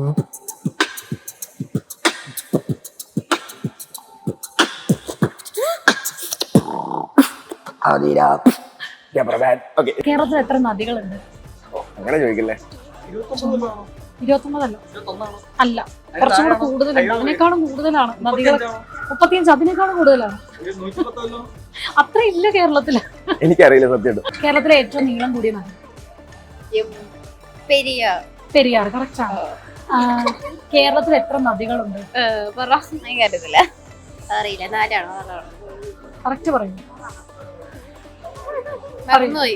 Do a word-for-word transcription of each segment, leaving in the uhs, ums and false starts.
കേരളത്തിൽ എത്ര നദികളുണ്ട്? അങ്ങനെ ചോദിക്കില്ലേ? ഇരുപത്തൊമ്പതല്ല, അല്ല, കുറച്ചും കൂടെ കൂടുതലുണ്ട്. അതിനേക്കാളും കൂടുതലാണ് നദികൾ. മുപ്പത്തിയഞ്ച്, അതിനേക്കാളും കൂടുതലാണ്. അത്ര ഇല്ല കേരളത്തില്. എനിക്കറിയില്ല സത്യം. കേരളത്തിലെ ഏറ്റവും നീളം കൂടിയ നദി പെരിയാർ. പെരിയാർ കറക്റ്റ് ആണ്. കേരളത്തിൽ എത്ര നദികളുണ്ട്? അറിയില്ല, അറിയില്ല. നാലാണോ? കറക്റ്റ് പറയുന്നു. മറന്നുപോയി.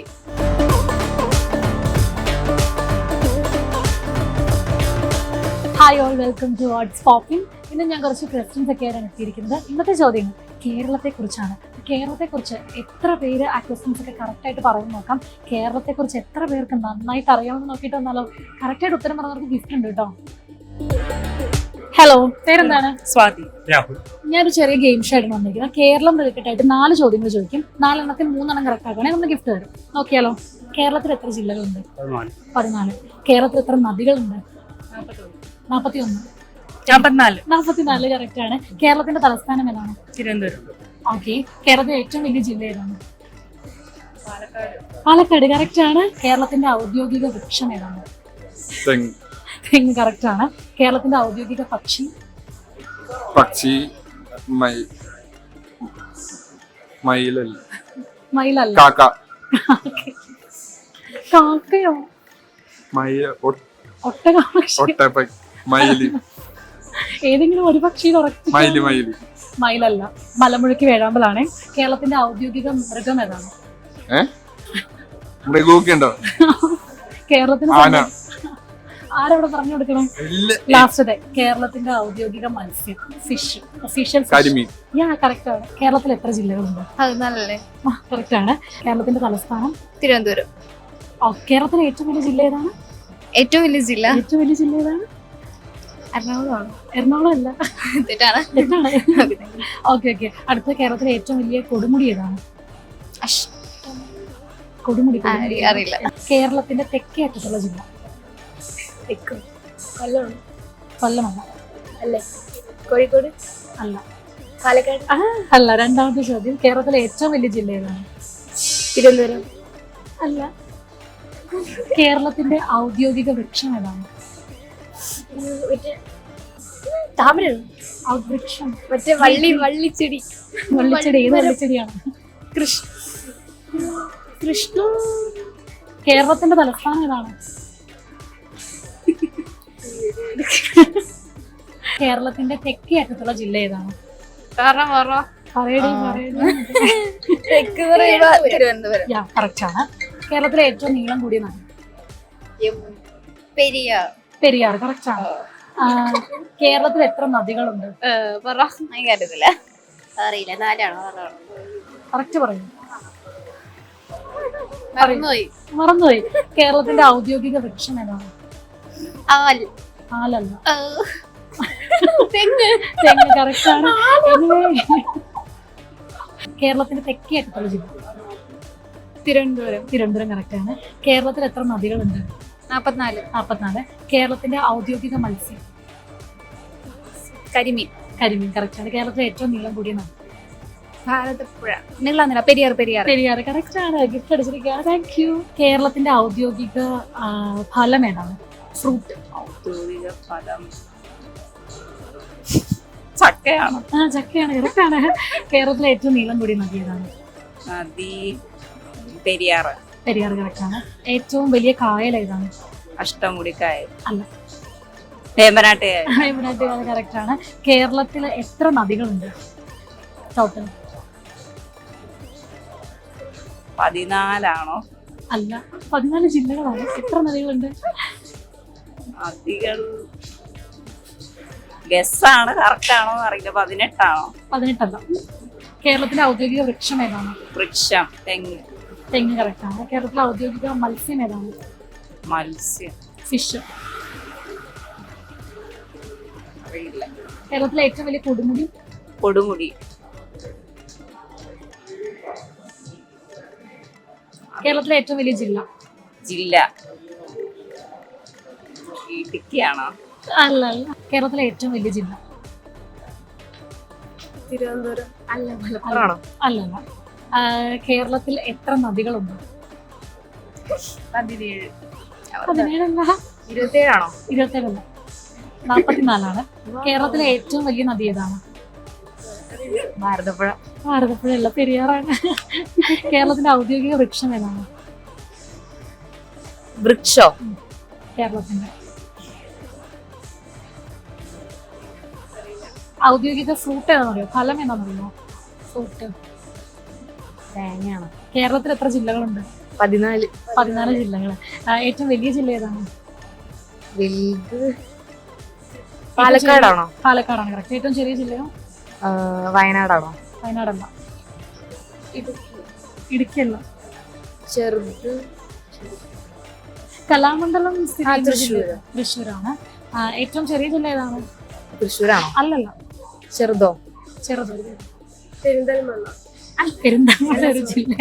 Hi all, welcome to what's popping. ഇന്ന് ഞാൻ കുറച്ച് ക്വസ്റ്റ്യൻസ് ഒക്കെയാണ് എത്തിയിരിക്കുന്നത്. ഇന്നത്തെ ചോദ്യങ്ങൾ കേരളത്തെ കുറിച്ചാണ്. കേരളത്തെ കുറിച്ച് എത്ര പേര് ആ ക്വസ്റ്റ്യൻസ് ഒക്കെ കറക്റ്റ് ആയിട്ട് പറയുന്നു നോക്കാം. കേരളത്തെ കുറിച്ച് എത്ര പേർക്ക് നന്നായിട്ട് അറിയാമെന്ന് നോക്കിയിട്ട് വന്നാലോ? കറക്റ്റ് ആയിട്ട് ഉത്തരം പറഞ്ഞവർക്ക് ഗിഫ്റ്റ് ഉണ്ട് കേട്ടോ. ഹലോ, പേരെന്താണ്? സ്വാതി. ഞാനൊരു ചെറിയ ഗെയിം ഷോ ആയിട്ട് വന്നിരിക്കുന്നത്. കേരളം റിലേറ്റഡ് ആയിട്ട് നാല് ചോദ്യങ്ങൾ ചോദിക്കും. നാലെണ്ണത്തിൽ മൂന്നെണ്ണം കറക്റ്റ് ആക്കുകയാണെങ്കിൽ നമ്മൾ ഗിഫ്റ്റ് തരും. നോക്കിയാലോ? കേരളത്തിൽ എത്ര ജില്ലകളുണ്ട്? പതിനാല്. കേരളത്തിൽ എത്ര നദികളുണ്ട്? നാപ്പത്തി ഒന്ന്. നാപ്പത്തിനാല്. നാപ്പത്തിനാല് കറക്റ്റ് ആണ്. കേരളത്തിന്റെ തലസ്ഥാനം ഏതാണ്? തിരുവനന്തപുരം. ഓക്കെ. കേരളത്തിലെ ഏറ്റവും വലിയ ജില്ല ഏതാണ്? പാലക്കാട് കറക്റ്റ് ആണ്. കേരളത്തിന്റെ ഔദ്യോഗിക വൃക്ഷം ഏതാണ്? തെങ്ങ് കറക്റ്റ് ആണ്. കേരളത്തിന്റെ ഔദ്യോഗിക പക്ഷി? പക്ഷി മയിലല്ല. മയിലല്ല. കാക്ക. കാക്കയോ? ഒട്ടക. മയില്. ഏതെങ്കിലും ഒരു പക്ഷി മയില്. മയില് മയിലല്ല. മലമുഴക്കി വേഴാമ്പലാണ്. കേരളത്തിന്റെ ഔദ്യോഗിക മൃഗം ഏതാണ്? മൃഗമൊക്കെ ഉണ്ടോ? കേരളത്തിന് ആരവിടെ പറഞ്ഞു കൊടുക്കണം? ലാസ്റ്റ്. കേരളത്തിന്റെ ഔദ്യോഗിക മത്സ്യം ഫിഷ്, ഒഫീഷ്യൽ യാ കറക്റ്റ് ആണ്. കേരളത്തിൽ എത്ര ജില്ലകളുണ്ട്? പതിനാലല്ലേ? കറക്റ്റ് ആണ്. കേരളത്തിന്റെ തലസ്ഥാനം? തിരുവനന്തപുരം. കേരളത്തിലെ ഏറ്റവും വലിയ ജില്ല ഏതാണ്? ഏറ്റവും വലിയ ജില്ല ഏറ്റവും വലിയ ജില്ല ഏതാണ്? എറണാകുളമാണ്. എറണാകുളം അല്ല, തെറ്റാണ്. Okay okay. അടുത്ത കേരളത്തിലെ ഏറ്റവും വലിയ കൊടുമുടി ഏതാണ്? കൊടുമുടി അറിയില്ല. കേരളത്തിന്റെ തെക്കേ അറ്റത്തുള്ള ജില്ല? കൊല്ലമാണ്. കൊല്ലമല്ല. അല്ലേ? കോഴിക്കോട് അല്ല. പാലക്കാട് അല്ല. രണ്ടാമത്തെ ചോദ്യം, കേരളത്തിലെ ഏറ്റവും വലിയ ജില്ല ഏതാണ്? തിരുവനന്തപുരം അല്ല. കേരളത്തിന്റെ ഔദ്യോഗിക വൃക്ഷം ഏതാണ്? വൃക്ഷം മറ്റേ വള്ളി വള്ളിച്ചെടി. വള്ളിച്ചെടി. ഏത് വള്ളിച്ചെടിയാണ്? കൃഷ്ണ കൃഷ്ണ. കേരളത്തിന്റെ തലസ്ഥാനം ഏതാണ്? കേരളത്തിന്റെ തെക്കേ അറ്റത്തുള്ള ജില്ല ഏതാണ്? തിരുവനന്തപുരം. കറക്റ്റ് ആണ്. കേരളത്തിലെ ഏറ്റവും നീളം കൂടിയ നദി? പെരിയാർ. പെരിയാർ കറക്റ്റ് ആണ്. കേരളത്തിൽ എത്ര നദികളുണ്ട്? അറിയില്ല, അറിയില്ല. നാലാണോ? കറക്റ്റ് പറയുന്നു. മറന്നുപോയി. മറന്നുപോയി. കേരളത്തിന്റെ ഔദ്യോഗിക വൃക്ഷം ഏതാണ്? ആലല്ല. തെങ്ങ്. തെങ്ങ് കറക്റ്റ് ആണ്. കേരളത്തിന്റെ തെക്കേ അറ്റത്തുള്ള ജില്ല? തിരുവനന്തപുരം. തിരുവനന്തപുരം കറക്റ്റ് ആണ്. കേരളത്തിൽ എത്ര നദികളുണ്ട്? നാപ്പത്തിനാല്. നാപ്പത്തിനാല്. കേരളത്തിന്റെ ഔദ്യോഗിക മത്സ്യം? കരിമീൻ. കരിമീൻ കറക്റ്റ് ആണ്. കേരളത്തിലെ ഏറ്റവും നീളം കൂടിയ നദി? ഭാരതപ്പുഴ. നീളാന്നില്ല. പെരിയാർ. പെരിയാർ. പെരിയാർ കറക്റ്റ് ആണ്. ഗിഫ്റ്റ് അടിച്ചിരിക്കുകയാണ്. Thank you. കേരളത്തിന്റെ ഔദ്യോഗിക ഫലം ഏതാണ്? ഫ്രൂട്ട്. ഔദ്യോഗിക ഫലം ചക്കയാണ്. ആ ചക്കയാണ് കറക്റ്റ് ആണ്. കേരളത്തിലെ ഏറ്റവും നീളം കൂടിയ നദി ഏതാണ്? നദി പെരിയാർ. പെരിയാർ കറക്റ്റ് ആണ്. ഏറ്റവും വലിയ കായൽ ഏതാണ്? അഷ്ടമുടിക്കായൽ. അല്ല. വേമ്പനാട്ട്. വേമ്പനാട്ട് കായൽ കറക്റ്റ് ആണ്. കേരളത്തിൽ എത്ര നദികളുണ്ട് ടോട്ടൽ? പതിനാലാണോ? അല്ല, പതിനാല് ജില്ലകളാണ്. എത്ര നദികളുണ്ട്? നദികൾ ഗസ്സാണ്. കറക്റ്റ് ആണോ അറിയില്ല. പതിനെട്ടാണോ? പതിനെട്ടല്ല. കേരളത്തിന്റെ ഔദ്യോഗിക വൃക്ഷം ഏതാണ്? വൃക്ഷം തെങ്ങ്. തെങ്ങ് കറക്റ്റ് ആണ്. കേരളത്തിലെ ഔദ്യോഗിക മത്സ്യം ഏതാണ്? മത്സ്യം ഫിഷ്. അറിയില്ല. കേരളത്തിലെ ഏറ്റവും വലിയ കൊടുമുടി? കൊടുമുടി. കേരളത്തിലെ ഏറ്റവും വലിയ ജില്ല? ജില്ല ഇടുക്കിയാണോ? അല്ല അല്ല കേരളത്തിലെ ഏറ്റവും വലിയ ജില്ല തിരുവനന്തപുരം അല്ല അല്ല അല്ല ആ, കേരളത്തിൽ എത്ര നദികളുണ്ട്? പതിനേഴ് പതിനേഴല്ല, ഇരുപത്തിയേഴാണോ? ഇരുപത്തേഴല്ല, നാപ്പത്തിനാലാണ്. കേരളത്തിലെ ഏറ്റവും വലിയ നദി ഏതാണ്? ഭാരതപ്പുഴ. ഭാരതപ്പുഴയല്ല, പെരിയാറാണ്. കേരളത്തിന്റെ ഔദ്യോഗിക വൃക്ഷം ഏതാണ്? വൃക്ഷോ? കേരളത്തിന്റെ ഔദ്യോഗിക ഫ്രൂട്ട് ഏതാണെന്ന് അറിയോ? ഫലം ഏതാണെന്നറിയോ? ഫ്രൂട്ട് തേങ്ങയാണ്. കേരളത്തിൽ എത്ര ജില്ലകളുണ്ട്? പതിനാല്. പതിനാല് ജില്ലകൾ. ഏറ്റവും വലിയ ജില്ല ഏതാണ്? വലുത് പാലക്കാടാണോ? പാലക്കാടാണ് കറക്റ്റ്. ഏറ്റവും ചെറിയ ജില്ലയോ? വയനാടാണോ? വയനാടല്ല, ഇടുക്കിയല്ല. ചെറുത് കലാമണ്ഡലം സ്ഥിതി ചെയ്യുന്ന തൃശ്ശൂർ. ജില്ല തൃശ്ശൂരാണ്. ആ, ഏറ്റവും ചെറിയ ജില്ല ഏതാണ്? തൃശ്ശൂരാണോ? അല്ലല്ല, ചെറുതോ? ചെറുത്. പെരിന്തൽമണ്ണ. അല്ല, പെരുന്തൽമണ്ണ ഒരു ജില്ല.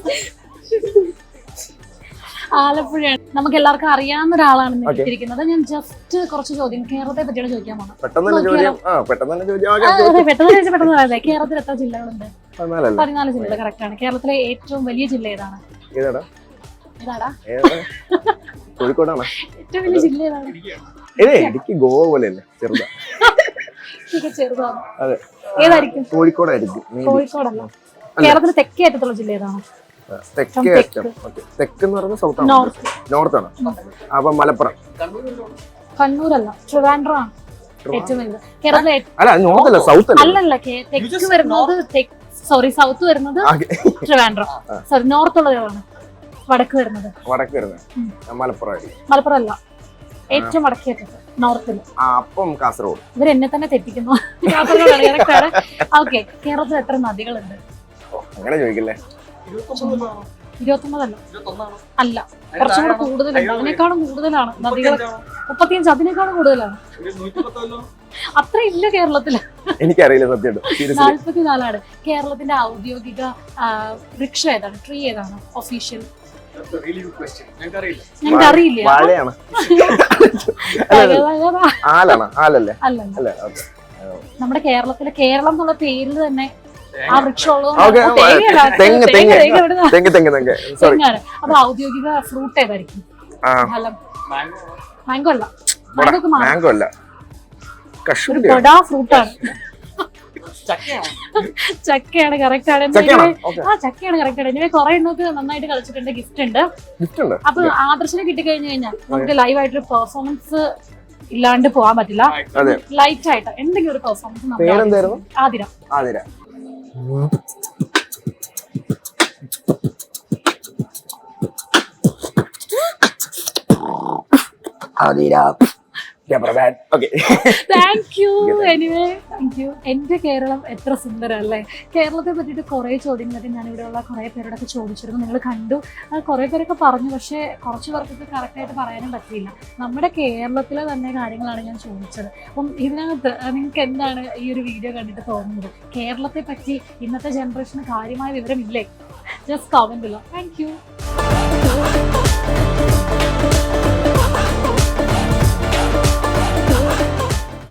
ആലപ്പുഴയാണ്. നമുക്ക് എല്ലാവർക്കും അറിയാവുന്ന ഒരാളാണ് Okay. ഇരിക്കുന്നത്. ഞാൻ ജസ്റ്റ് കുറച്ച് ചോദ്യം കേരളത്തെ പറ്റിയാണ് ചോദിക്കാൻ പോകുന്നത്. പെട്ടെന്ന് തന്നെ ചോദ്യം ആ പെട്ടെന്ന് തന്നെ ചോദ്യം ആ, ആകാം. അതെ, പെട്ടെന്ന് ചോദിച്ചാൽ പെട്ടെന്ന് പറയാതെ. കേരളത്തിൽ എത്ര ജില്ലകളുണ്ട്? പതിനാലല്ലേ? പതിനാല് ജില്ലകൾ കറക്റ്റ് ആണ്. കേരളത്തിലെ ഏറ്റവും വലിയ ജില്ല ഏതാണ്? ഏതാടാ ഏതാടാ ഏതാ കോഴിക്കോടാണോ? ഏറ്റവും വലിയ ജില്ല ഏതാണ്? ഏ ഇടുക്കി ഗോവ പോലെയല്ലേ? ചെറുതാ. ഇതൊക്കെ ചെറുതാണ്. അതെ, ഏതായിരിക്കും? കോഴിക്കോടായിരിക്കും. maybe. കോഴിക്കോടല്ല. കേരളത്തിലെ തെക്കേ അറ്റത്തുള്ള ജില്ല ഏതാണ്? ആ, തെക്കേ തെക്ക്. അറ്റം. Okay. തെക്ക് എന്ന് പറയുന്നത് സൗത്ത് ആണ്. നോർത്ത്. നോർത്ത് ആണ്. അപ്പൊ മലപ്പുറം. കണ്ണൂരല്ല, ട്രിവാൻഡ്രം ആണ് ഏറ്റവും വലുത്. കേരളത്തിലെ ഏ- അല്ല നോർത്ത് അല്ല സൗത്ത് അല്ലേ? അല്ലല്ല, കേ- തെക്ക് വരുന്നത് സോറി സൗത്ത് വരുന്നത് ആകെ. ട്രിവാൻഡ്രം. സോറി, നോർത്ത് ഉള്ളത് ഏതാണ്? വടക്ക് വരുന്നത് വടക്ക് വരുന്നത് ഉം. മലപ്പുറം ആയിരിക്കും. മലപ്പുറം അല്ല, ഏറ്റവും വടക്കേ അറ്റത്ത് നോർത്തിൽ. ആ, അപ്പം കാസർഗോഡ്. ഇവർ എന്നെ തന്നെ തെറ്റിക്കുന്നു. കാസർഗോഡാണ് correct ആണ്. ഓക്കെ, കേരളത്തിൽ എത്ര നദികളുണ്ട്? അങ്ങനെ ചോദിക്കില്ലേ? ഇരുപത്തൊമ്പതല്ല, അല്ല, കുറച്ചും കൂടെ കൂടുതലുണ്ട്. അതിനേക്കാളും കൂടുതലാണ് നദികൾ. മുപ്പത്തിയഞ്ച്, അതിനേക്കാളും കൂടുതലാണ്. അത്ര ഇല്ല കേരളത്തില്. എനിക്കറിയില്ല സത്യം. സീരിയസ്ലി നാല്പത്തിനാലാണ്. കേരളത്തിന്റെ ഔദ്യോഗിക ആ, വൃക്ഷം ഏതാണ്? ട്രീ ഏതാണ്? ഒഫീഷ്യൽ ഞങ്ങൾക്ക് അറിയില്ല. വാഴയാണ്. ആലാണ് ആലല്ലേ? അല്ലല്ല, അല്ലേ? ഓക്കെ. നമ്മുടെ കേരളത്തിലെ കേരളം എന്നുള്ള പേരിൽ തന്നെ ആ വൃക്ഷം ഓക്കെ. തെങ്ങ് തെങ്ങ് തെങ്ങ് തെങ്ങ് തെങ്ങ് സോറി. അപ്പൊ ഔദ്യോഗിക ഫ്രൂട്ട് ഏതായിരിക്കും? ആ ഫലം മാംഗോ അല്ല. മാംഗോക്ക് മാ- മാംഗോ അല്ല, ഒരു കശുവണ്ടി. കൊടാ ഫ്രൂട്ടാണ്. ചക്കയാണ് കറക്റ്റ് ആണ്. ചക്കയാണോ? Anyway, okay. ആ ചക്കയാണ് കറക്റ്റ് ആണ്. ഇനി കുറെ എണ്ണത്ത് നന്നായിട്ട് കളിച്ചിട്ടുണ്ട്. ഗിഫ്റ്റ് ഉണ്ട്. ഗിഫ്റ്റ് ഉണ്ട്. അപ്പൊ ആദർശനെ കിട്ടിക്കഴിഞ്ഞു കഴിഞ്ഞാൽ നമുക്ക് ലൈവ് ആയിട്ടൊരു പെർഫോമൻസ് ഇല്ലാണ്ട് പോകാൻ പറ്റില്ല. അതെ. ലൈറ്റ് ആയിട്ട് എന്തെങ്കിലും ഒരു പെർഫോമൻസ്. പേരെന്തായിരുന്നു? Athira. Athira. Athira. Okay. Thank you. Anyway thank you. എന്റെ കേരളം എത്ര സുന്ദരം അല്ലേ? കേരളത്തെ പറ്റിയിട്ട് കുറെ ചോദ്യങ്ങളൊക്കെ ഞാൻ ഇവിടെയുള്ള കുറെ പേരോടൊക്കെ ചോദിച്ചിരുന്നു. നിങ്ങൾ കണ്ടു. കുറെ പേരൊക്കെ പറഞ്ഞു, പക്ഷെ കുറച്ച് പേർക്കൊക്കെ കറക്റ്റായിട്ട് പറയാനും പറ്റിയില്ല. നമ്മുടെ കേരളത്തിലെ തന്നെ കാര്യങ്ങളാണ് ഞാൻ ചോദിച്ചത്. അപ്പം ഇതിനകത്ത് നിങ്ങൾക്ക് എന്താണ് ഈ ഒരു വീഡിയോ കണ്ടിട്ട് തോന്നുന്നത്? കേരളത്തെ പറ്റി ഇന്നത്തെ ജനറേഷന് കാര്യമായ വിവരമില്ലേ? Just comment below. Thank U.